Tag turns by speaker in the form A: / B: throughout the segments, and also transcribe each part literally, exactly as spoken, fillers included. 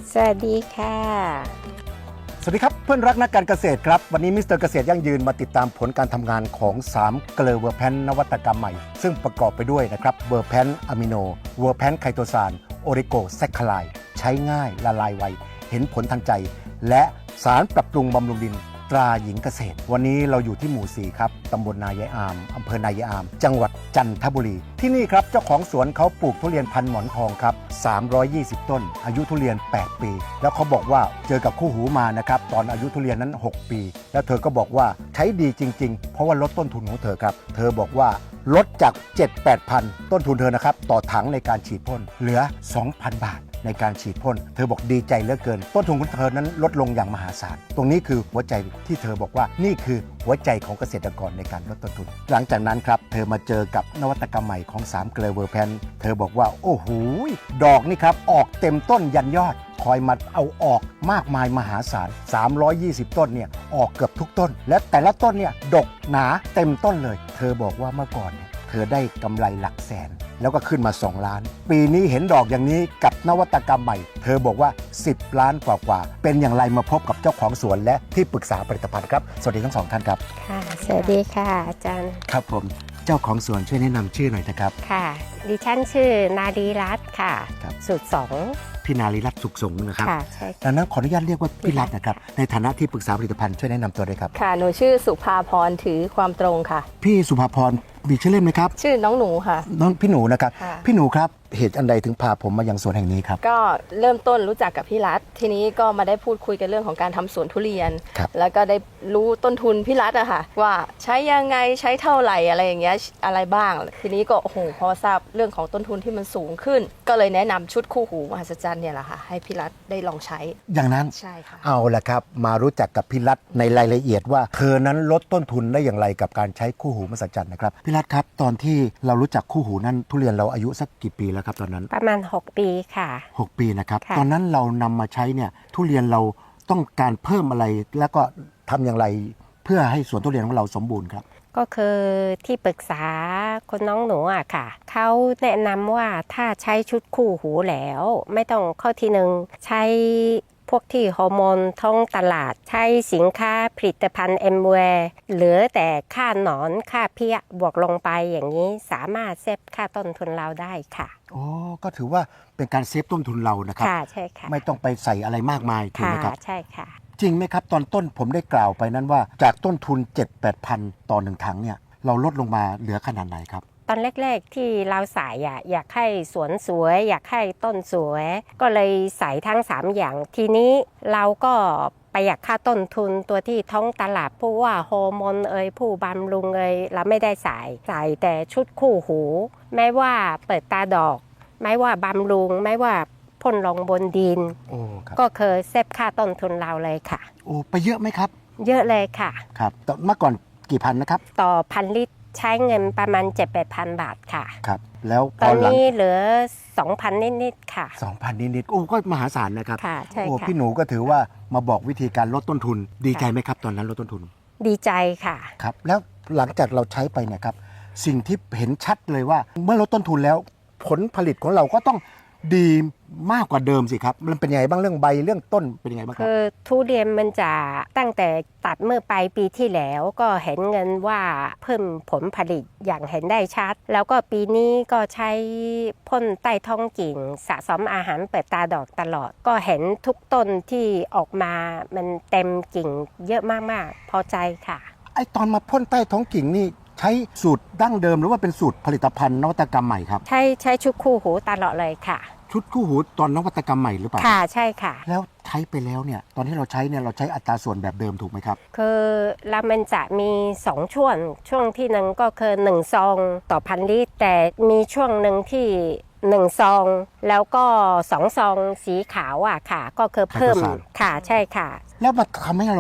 A: สวัสดีค่ะ
B: สวัสดีครับเพื่อนรักนักการเกษตรครับวันนี้มิสเตอร์เกษตรยั่งยืนมาติดตามผลการทำงานของสามเกลือเวอร์แพนนวัตกรรมใหม่ซึ่งประกอบไปด้วยนะครับเวอร์แพนอะมิโนเวอร์แพนไคโตซานโอริโกแซคคลายใช้ง่ายละลายไวเห็นผลทันใจและสารปรับปรุงบำรุงดินตราหญิงเกษตรวันนี้เราอยู่ที่หมู่สี่ครับตำบลนายายอามอำเภอนายายอามจังหวัดจันทบุรีที่นี่ครับเจ้าของสวนเขาปลูกทุเรียนพันหมอนทองครับสามร้อยยี่สิบต้นอายุทุเรียนแปดปีแล้วเขาบอกว่าเจอกับคู่หูมานะครับตอนอายุทุเรียนนั้นหกปีแล้วเธอก็บอกว่าใช้ดีจริงๆเพราะว่าลดต้นทุนของเธอครับเธอบอกว่าลดจาก เจ็ดถึงแปดพัน ต้นทุนเธอนะครับต่อถังในการฉีดพ่นเหลือ สองพัน บาทในการฉีดพ่นเธอบอกดีใจเหลือเกินต้นทุนของเธอนั้นลดลงอย่างมหาศาลตรงนี้คือหัวใจที่เธอบอกว่านี่คือหัวใจของเกษตรกรในการลดต้นทุนหลังจากนั้นครับเธอมาเจอกับนวัตกรรมใหม่ของสามเกลือเวอร์แพนเธอบอกว่าโอ้โหดอกนี่ครับออกเต็มต้นยันยอดคอยมาเอาออกมากมายมหาศาลสามร้อยยี่สิบต้นเนี่ยออกเกือบทุกต้นและแต่ละต้นเนี่ยดกหนาเต็มต้นเลยเธอบอกว่าเมื่อก่อนเนี่ยเธอได้กำไรหลักแสนแล้วก็ขึ้นมาสองล้านปีนี้เห็นดอกอย่างนี้กับนวัตกรรมใหม่เธอบอกว่าสิบล้านกว่าๆเป็นอย่างไรมาพบกับเจ้าของสวนและที่ปรึกษาผลิตภัณฑ์ครับสวัสดีทั้งสองท่านครับ
A: ค่ะสวัสดีค่ะอาจารย์
B: ครับผมเจ้าของสวนช่วยแนะนำชื่อหน่อยนะครับ
A: ค่ะดิฉันชื่อนาดีรัตน์ค่ะสูตรสอง
B: พี่นารีรัตน์สุขสงฆ์นะครับ
A: ค่ะใช่
B: ดังนั้นขออนุญาตเรียกว่าพี่รัตน์นะครับในฐานะที่ปรึกษาผลิตภัณฑ์ช่วยแนะนำตัวด้วยครับ
C: ค่ะหนูชื่อสุภาพรถือความตรงค่ะ
B: พี่สุภาพรมีชื่อเล่นไหมครับ
C: ชื่อน้องหนูค่ะ
B: น้องพี่หนูนะครับพี่หนูครับเหตุอันใดถึงพาผมมายังสวนแห่งนี้ครับ
C: ก็เริ่มต้นรู้จักกับพี่รัตทีนี้ก็มาได้พูดคุยกันเรื่องของการทำสวนทุเรียนแล้วก็ได้รู้ต้นทุนพี่รัตอะค่ะว่าใช้ยังไงใช้เท่าไหร่อะไรอย่างเงี้ยอะไรบ้างทีนี้ก็โอ้โหพอทราบเรื่องของต้นทุนที่มันสูงขึ้นก็เลยแนะนำชุดคู่หูมหัศจรรย์เนี่ยแหละค่ะให้พี่รัตได้ลองใช้
B: อย่างนั้น
C: ใช่ค่ะ
B: เอาละครับมารู้จักกับพี่รัตในรายละเอียดว่าเธอนั้นลดต้นทุนได้อย่างไรกับการใช้คู่หูมหัศจรรย์นะครับพี่รัตครับตอนที่เรารู้จักคู่หูนั้นทุเรียนเราอายุสักกี่ปีแล้วครับตอนนั้น
A: ประมาณหกปีค่ะ
B: หกปีนะครับตอนนั้นเรานำมาใช้เนี่ยทุเรียนเราต้องการเพิ่มอะไรแล้วก็ทำอย่างไรเพื่อให้สวนทุเรียนของเราสมบูรณ์ครับ
A: ก็คือที่ปรึกษาคนน้องหนูอะค่ะเขาแนะนำว่าถ้าใช้ชุดคู่หูแล้วไม่ต้องเข้าทีหนึ่งใช้พวกที่ฮอร์โมนท้องตลาดใช้สินค้าผลิตภัณฑ์เอ็มแวร์เหลือแต่ค่าหนอนค่าเพี้ยบวกลงไปอย่างนี้สามารถเซฟค่าต้นทุนเราได้ค่ะ
B: โอ้ก็ถือว่าเป็นการเซฟต้นทุนเรานะครับ
A: ค่ะใช่ค่ะ
B: ไม่ต้องไปใส่อะไรมากมายถูกไหมครับ
A: ใช่ค่ะ
B: จริงไหมครับตอนต้นผมได้กล่าวไปนั้นว่าจากต้นทุน เจ็ดถึงแปดพัน ต่อหนึ่งถังเนี่ยเราลดลงมาเหลือขนาดไหนครับ
A: ตอนแรกๆที่เราใส่อะอยากให้สวนสวยอยากให้ต้นสวยก็เลยใส่ทั้งสามอย่างทีนี้เราก็ประหยัดค่าต้นทุนตัวที่ท้องตลาดผู้ว่าฮอร์โมนเอ่ยผู้บำรุงเอ่ยเราไม่ได้ใส่ใส่แต่ชุดคู่หูไม่ว่าเปิดตาดอกไม่ว่าบำรุงไม่ว่าพ่นลงบนดินก็เคยเซฟค่าต้นทุนเราเลยค่ะ
B: โอ้ไปเยอะไหมครับ
A: เยอะเลยค่ะ
B: ครับเมื่อก่อนกี่พันนะครับ
A: ต่อพันลิตรใช้เงินประมาณ เจ็ดถึงแปดพัน บาทค่ะ
B: ครับแล้ว
A: ตอนนี้เหลือ สองพัน นิดๆค่ะ
B: สองพัน นิดๆโอ้ก็มหาศาลนะครับ
A: ค่ะใช่ค่ะ
B: โอ้พี่หนูก็ถือว่ามาบอกวิธีการลดต้นทุนดีใจไหมครับตอนนั้นลดต้นทุน
A: ดีใจค่ะ
B: ครับแล้วหลังจากเราใช้ไปเนี่ยครับสิ่งที่เห็นชัดเลยว่าเมื่อลดต้นทุนแล้วผลผลิตของเราก็ต้องดีมากกว่าเดิมสิครับมันเป็นยังไงบ้างเรื่องใบเรื่องต้นเป็นยังไงบ้างครับ
A: คือทุเรียนมันจะตั้งแต่ตัดเมื่อปลายปีที่แล้วก็เห็นเงินว่าเพิ่มผลผลิตอย่างเห็นได้ชัดแล้วก็ปีนี้ก็ใช้พ่นใต้ท้องกิ่งสะสมอาหารเปิดตาดอกตลอดก็เห็นทุกต้นที่ออกมามันเต็มกิ่งเยอะมากๆพอใจค่ะ
B: ไอตอนมาพ่นใต้ท้องกิ่งนี่ใช้สูตรดั้งเดิมหรือว่าเป็นสูตรผลิตภัณฑ์นวัตกรรมใหม่ครับ
A: ใช้ใช้ชุดคู่หูตลอดเลยค่ะ
B: ชุดคู่หูตอนนวัตกรรมใหม่หรือเปล่า
A: ค่ะใช่ค่ะ
B: แล้วใช้ไปแล้วเนี่ยตอนที่เราใช้เนี่ยเราใช้อัตราส่วนแบบเดิมถูกไหมครับ
A: คือแล้วมันจะมีสองช่วงช่วงที่หนึ่งก็คือหนึ่งซองต่อพันลิตรแต่มีช่วงหนึ่งที่หนึ่งซองแล้วก็สองซองสีขาวอ่ะค่ะก็คือเพิ่มค่ะใช่ค่ะ
B: แล้วมันทำให้เราเห็น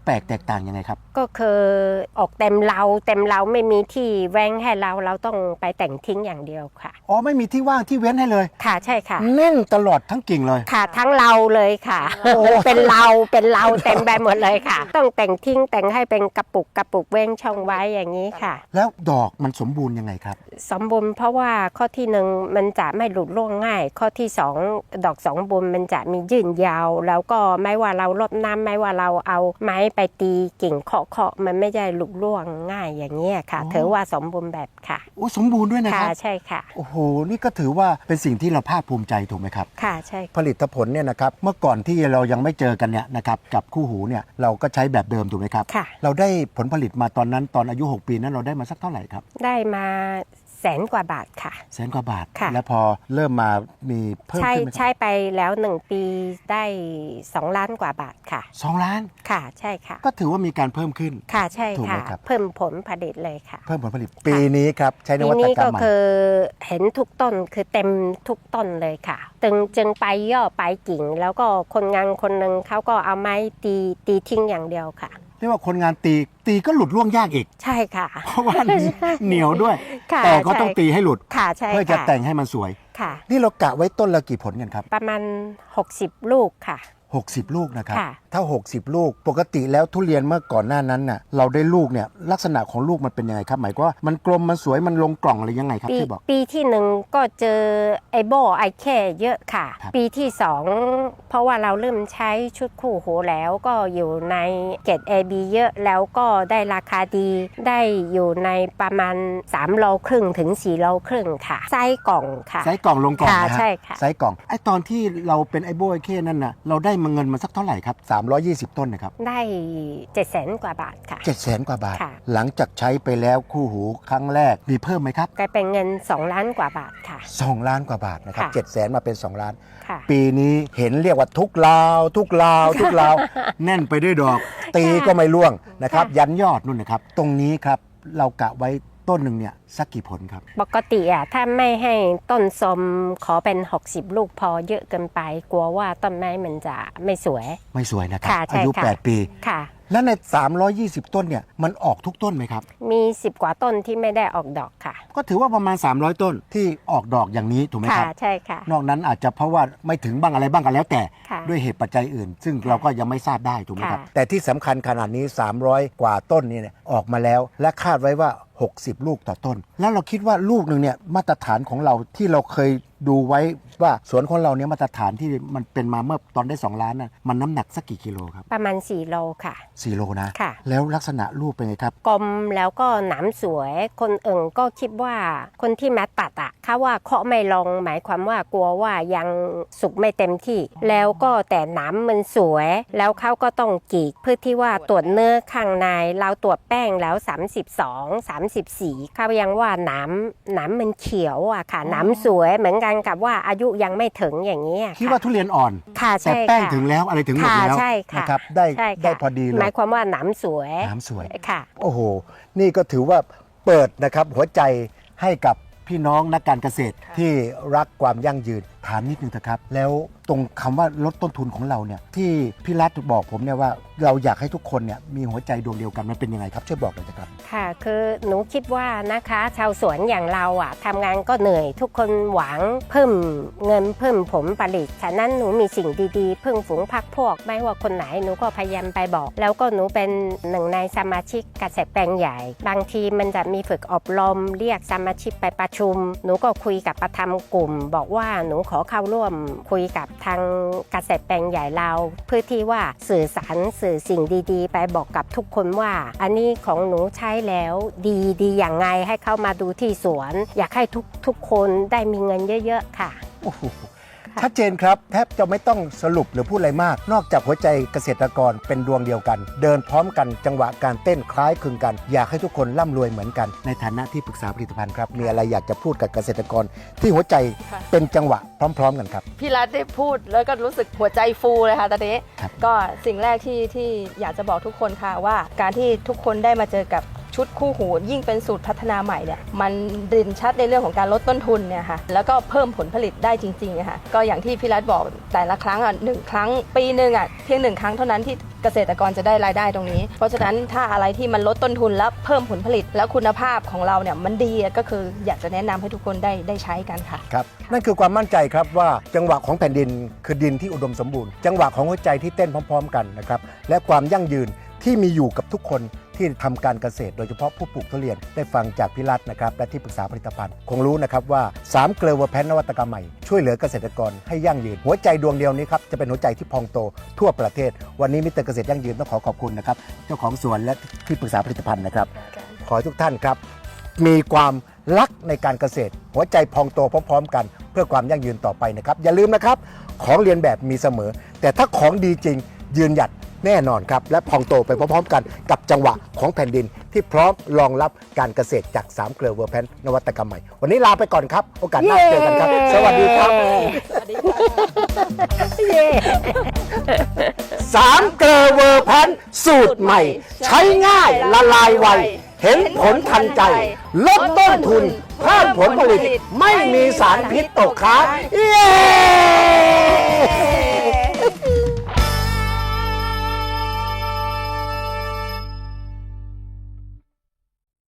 B: แปลกแตกต่างยังไงครับ
A: ก็คือออกเต็มเราเต็มเราไม่มีที่แว้งให้เราเราต้องไปแต่งทิ้งอย่างเดียวค่ะ
B: อ๋อไม่มีที่ว่างที่เว้นให้เลย
A: ค่ะใช่ค่ะ
B: แน่นตลอดทั้งกิ่งเลย
A: ค่ะทั้งเราเลยค่ะ
B: โอ้
A: เป็นเราเป็นเราเต็มไปหมดเลยค่ะ ต้องแต่งทิ้งแต่งให้เป็นกระปุกกระปุกเว้งช่องไว้อย่างนี้ค่ะ
B: แล้วดอกมันสมบูรณ์ยังไงครับ
A: สมบูรณ์เพราะว่าข้อที่หนึ่งมันจะไม่หลุดร่วงง่าย ข้อที่สองดอกสองบุญมันจะมียืนยาว แล้วก็ไม่ว่าเรารดน้ำไม่ว่าเราเอาไม้ไปตีกิ่งเคาะเคาะมันไม่ได้หลุดร่วงง่ายอย่างนี้ค่ะ
B: อ๋อ
A: ถือว่าสมบูรณ์แบบค่ะ
B: โอ้สมบูรณ์ด้วยนะค
A: ค่ะ
B: รับ
A: ใช่ค่ะ
B: โอ้โหนี่ก็ถือว่าเป็นสิ่งที่เราภาคภูมิใจถูกไหมครับ
A: ค่ะใช่
B: ผลิตผลเนี่ยนะครับเมื่อก่อนที่เรายังไม่เจอกันเนี่ยนะครับกับคู่หูเนี่ยเราก็ใช้แบบเดิมถูกไหมครับ
A: ค่ะ
B: เราได้ผลผลิตมาตอนนั้นตอนอายุหกปีนั้นเราได้มาสักเท่าไหร่ครับ
A: ได้มาแสนกว่าบาทค่ะ
B: แสนกว่าบาท
A: ค่ะ
B: แล้วพอเริ่มมามีเพิ่ม
A: ใช่
B: ขึ้นไหมครับ
A: ใช่ไปแล้วหนึ่งปีได้สองล้านกว่าบาทค่ะ
B: สองล้าน
A: ค่ะใช่ค่ะ
B: ก็ถือว่ามีการเพิ่มขึ้น
A: ค่ะใช่
B: ถูกไหม
A: ค่ะ
B: ครับ
A: เพิ่มผลผลิตเลยค่ะ
B: เพิ่มผลผลิตปีนี้ครับใช้น
A: ที
B: วัต
A: นี้
B: กรร
A: ก็
B: มใหม่
A: คือเห็นทุกต้นคือเต็มทุกต้นเลยค่ะจึงจึงไปย่อไปกิ่ง แล้วก็คนงานคนหนึ่งเขาก็เอาไม้ตีตีทิ้งอย่างเดียวค่ะ
B: เรียกว่าคนงานตีตีก็หลุดร่วงยากอีก
A: ใช่ค่ะ
B: เพราะว่าเหนียวด้วย
A: ค่ะ
B: แต่ก็ต้อง
A: ใช่
B: ตีให้หลุด
A: ค่ะใช่
B: เพื่อจะ
A: ค่
B: แต่งให้มันสวย
A: ค่ะ
B: นี่เรากะไว้ต้นละกี่ผลกันครับ
A: ประมาณหกสิบลูกค่ะ
B: หกสิบ ลูกนะครับ
A: ค่ะ
B: ถ้า หกสิบ ลูก ปกติแล้วทุเรียนเมื่อก่อนหน้านั้นน่ะเราได้ลูกเนี่ยลักษณะของลูกมันเป็นยังไงครับ หมายความว่ามันกลมมันสวยมันลงกล่องอะไรยังไงครับ
A: ปี
B: ที่บอก
A: ปีที่หนึ่งก็เจอไอโบไอแค่เยอะค่ะ
B: ครับ
A: ปีที่สองเพราะว่าเราเริ่มใช้ชุดคู่หูแล้วก็อยู่ในเกรด เอ บี เยอะแล้วก็ได้ราคาดีได้อยู่ในประมาณสามโลครึ่งถึงสี่โลครึ่งค่ะไส้กล่องค่ะ
B: ไซส์กล่องลงกล่อง
A: ค่ะ
B: นะฮะ
A: ใช่ค่ะ
B: ไซส์กล่องไอ้ตอนที่เราเป็นไอโบไอเคนั่นน่ะเราได้มาเงินมาสักเท่าไหร่ครับสามร้อยยี่สิบต้นนะครับ
A: ได้เจ็ดแสนกว่าบาทค่ะ
B: เจ็ดแสนกว่าบาท
A: ค่ะ
B: หลังจากใช้ไปแล้วคู่หูครั้งแรกมีเพิ่มไหมครับ
A: กลายเป็นเงินสองล้านกว่าบาทค่ะ
B: สองล้านกว่าบาทนะครับ
A: ค่ะ
B: เจ็ดแสนมาเป็นสองล้าน
A: ค่ะ
B: ปีนี้เห็นเรียกว่าทุกลาว ทุกลาว ทุกลาว แน่นไปด้วยดอก ตีก็ไม่ร่วงนะครับ
A: ค่ะ
B: ยันยอดนู่นนะครับ ตรงนี้ครับเรากะไว้ต้นหนึ่งเนี่ยสักกี่ผลครับ
A: ปกติอ่ะถ้าไม่ให้ต้นสมขอเป็นหกสิบลูกพอเยอะเกินไป กลัวว่าต้นไม้มันจะไม่สวย
B: ไม่สวยนะครับ
A: ค่ะใช่
B: อายุ
A: ค่ะ
B: แปด ปี
A: ค่ะ
B: และใน สามร้อยยี่สิบ ต้นเนี่ยมันออกทุกต้นไหมครับ
A: มีสิบกว่าต้นที่ไม่ได้ออกดอกค่ะ
B: ก็ถือว่าประมาณ สามร้อย ต้นที่ออกดอกอย่างนี้ถูกไหม
A: ค่ะ
B: ครับ
A: ใช่ค่ะ
B: นอกนั้นอาจจะเพราะว่าไม่ถึงบ้างอะไรบ้างกันแล้วแต่
A: ค่ะ
B: ด้วยเหตุปัจจัยอื่น ซึ่งเราก็ยังไม่ทราบได้ถูกไหมครับ
A: ค่ะ
B: แต่ที่สำคัญขนาดนี้ สามร้อย กว่าต้นนี่เนี่ยออกมาแล้ว และคาดไว้ว่า หกสิบ ลูกต่อต้น แล้วเราคิดว่าลูกหนึ่งเนี่ยมาตรฐานของเราที่เราเคยดูไว้ว่าสวนของเราเนี่ยมาตรฐานที่มันเป็นมาเมื่อตอนได้สองล้านน่ะมันน้ำหนักสักกี่กิโลครับ
A: ประมาณสี่โลค่ะ
B: สี่โลนะ
A: ค่ะ
B: แล้วลักษณะลูกเป็นไงครับ
A: กลมแล้วก็หนามสวย คนอื่นก็คิดว่าคนที่มาตัดอ่ะเขาว่าเคาะไม่ลงหมายความว่ากลัวว่ายังสุกไม่เต็มที่ แล้วก็แต่หนามมันสวย แล้วเขาก็ต้องกรีดเพื่อที่ว่าตรวจเนื้อข้างในเราตรวจแป้งแล้วสามสิบสอง สามสิบสี่เขายังว่าหนามหนามมันเขียวอ่ะค่ะหนามสวยเหมือนกันกับว่าอายุยังไม่ถึงอย่างนี้ย
B: คิดว่าทุเรียนอ่อน
A: ค่ะ
B: แต่
A: ใช่
B: แป้ง
A: ค่ะ
B: ถึงแล้วอะไรถึงหมด
A: ค่ะ
B: แล้ว
A: ใช่ค่ะ
B: นะครับได้
A: ใช่ค่ะ
B: ได้พอดีเล
A: หมาย ยความว่าหนามสวย
B: น้ำสวย
A: ค่ะ
B: โอ้โห นี่ก็ถือว่าเปิดนะครับหัวใจให้กับพี่น้องนักการเกษตรที่รักความยั่งยืนถามนิดนึงเถอะครับ แล้วตรงคำว่าลดต้นทุนของเราเนี่ยที่พี่รัฐบอกผมเนี่ยว่าเราอยากให้ทุกคนเนี่ยมีหัวใจดวงเดียวกันมันเป็นยังไงครับช่วยบอกหน่อยนะครับ
A: ค่ะคือหนูคิดว่านะคะชาวสวนอย่างเราอ่ะทำงานก็เหนื่อยทุกคนหวังเพิ่มเงินเพิ่มผลผลิตฉะนั้นหนูมีสิ่งดีๆเพิ่งฝูงพักพวกไม่ว่าคนไหนหนูก็พยายามไปบอก แล้วก็หนูเป็นหนึ่งในสมาชิกเกษตรแปลงใหญ่ บางทีมันจะมีฝึกอบรมเรียกสมาชิกไปประชุม หนูก็คุยกับประธานกลุ่ม บอกว่าหนูขอเข้าร่วมคุยกับทางเกษตรแปลงใหญ่เรา เพื่อที่ว่าสื่อสารสื่อสิ่งดีๆ ไปบอกกับทุกคนว่า อันนี้ของหนูใช้แล้วดีดีอย่างไงให้เข้ามาดูที่สวน อยากให้ทุกทุกคนได้มีเงินเยอะๆค่ะ
B: โอ้โหชัดเจนครับแทบจะไม่ต้องสรุปหรือพูดอะไรมาก นอกจากหัวใจเกษตรกรเป็นดวงเดียวกัน เดินพร้อมกันจังหวะการเต้นคล้ายคลึงกัน อยากให้ทุกคนร่ำรวยเหมือนกันในฐานะที่ปรึกษาผลิตภัณฑ์ครับมีอะไรอยากจะพูดกับเกษตรกรที่หัวใจ
C: ค่ะ
B: เป็นจังหวะพร้อม ๆ กันครับ
C: พี่รัฐได้พูดแล้วก็รู้สึกหัวใจฟูเลยค่ะตอนนี้
B: ครับ
C: ก็สิ่งแรกที่ที่อยากจะบอกทุกคนค่ะว่าการที่ทุกคนได้มาเจอกับชุดคู่หูยิ่งเป็นสูตรพัฒนาใหม่เนี่ยมันเด่นชัดในเรื่องของการลดต้นทุนเนี่ยค่ะแล้วก็เพิ่มผลผลิตได้จริงๆอะค่ะก็อย่างที่พี่รัฐบอกแต่ละครั้งอ่ะหนึ่งครั้งปีหนึ่งอ่ะเพียงหนึ่งครั้งเท่านั้นที่เกษตรกรจะได้รายได้ตรงนี้ เพราะฉะนั้นถ้าอะไรที่มันลดต้นทุนแล้วเพิ่มผลผลิต แล้วคุณภาพของเราเนี่ยมันดีก็คืออยากจะแนะนำให้ทุกคนได้ได้ใช้กันค่ะ
B: ครับนั่นคือความมั่นใจครับว่าจังหวะของแผ่นดินคือดินที่อุดมสมบูรณ์จังหวะของหัวใจที่เต้นพร้อม ๆ กันนะครับและความยั่งยืนที่มีอยู่กับทุกคนที่ทำการเกษตรโดยเฉพาะผู้ปลูกทุเรียนได้ฟังจากพี่รัตน์นะครับและที่ปรึกษาผลิตภัณฑ์คงรู้นะครับว่าสามเกลือเวอร์แพนนวัตกรรมใหม่ช่วยเหลือเกษตรกรให้ยั่งยืนหัวใจดวงเดียวนี้ครับจะเป็นหัวใจที่พองโตทั่วประเทศวันนี้มิสเตอร์เกษตรยั่งยืนต้องขอขอบคุณนะครับเจ้าของสวนและที่ปรึกษาผลิตภัณฑ์นะครับขอให้ทุกท่านครับมีความรักในการเกษตรหัวใจพองโตพร้อมๆกันเพื่อความยั่งยืนต่อไปนะครับอย่าลืมนะครับของเรียนแบบมีเสมอแต่ถ้าของดีจริงยืนหยัดแน่นอนครับและพองโตไปพร้อมๆกันกับจังหวะของแผ่นดินที่พร้อมรองรับการเกษตรจากสามเกลือเวอร์แพนนวัตกรรมใหม่วันนี้ลาไปก่อนครับโอกาสหน้าเจอกันครับสวัสดีครับ
C: สวัสดีค่ะ
A: เย้
B: สามเกลือเวอร์แพนสูตรใหม่ ใช้ง่ายละลายไวเห็นผลทันใจลดต้นทุนเพิ่มผลผลิตไม่มีสารพิษตกค้างเย้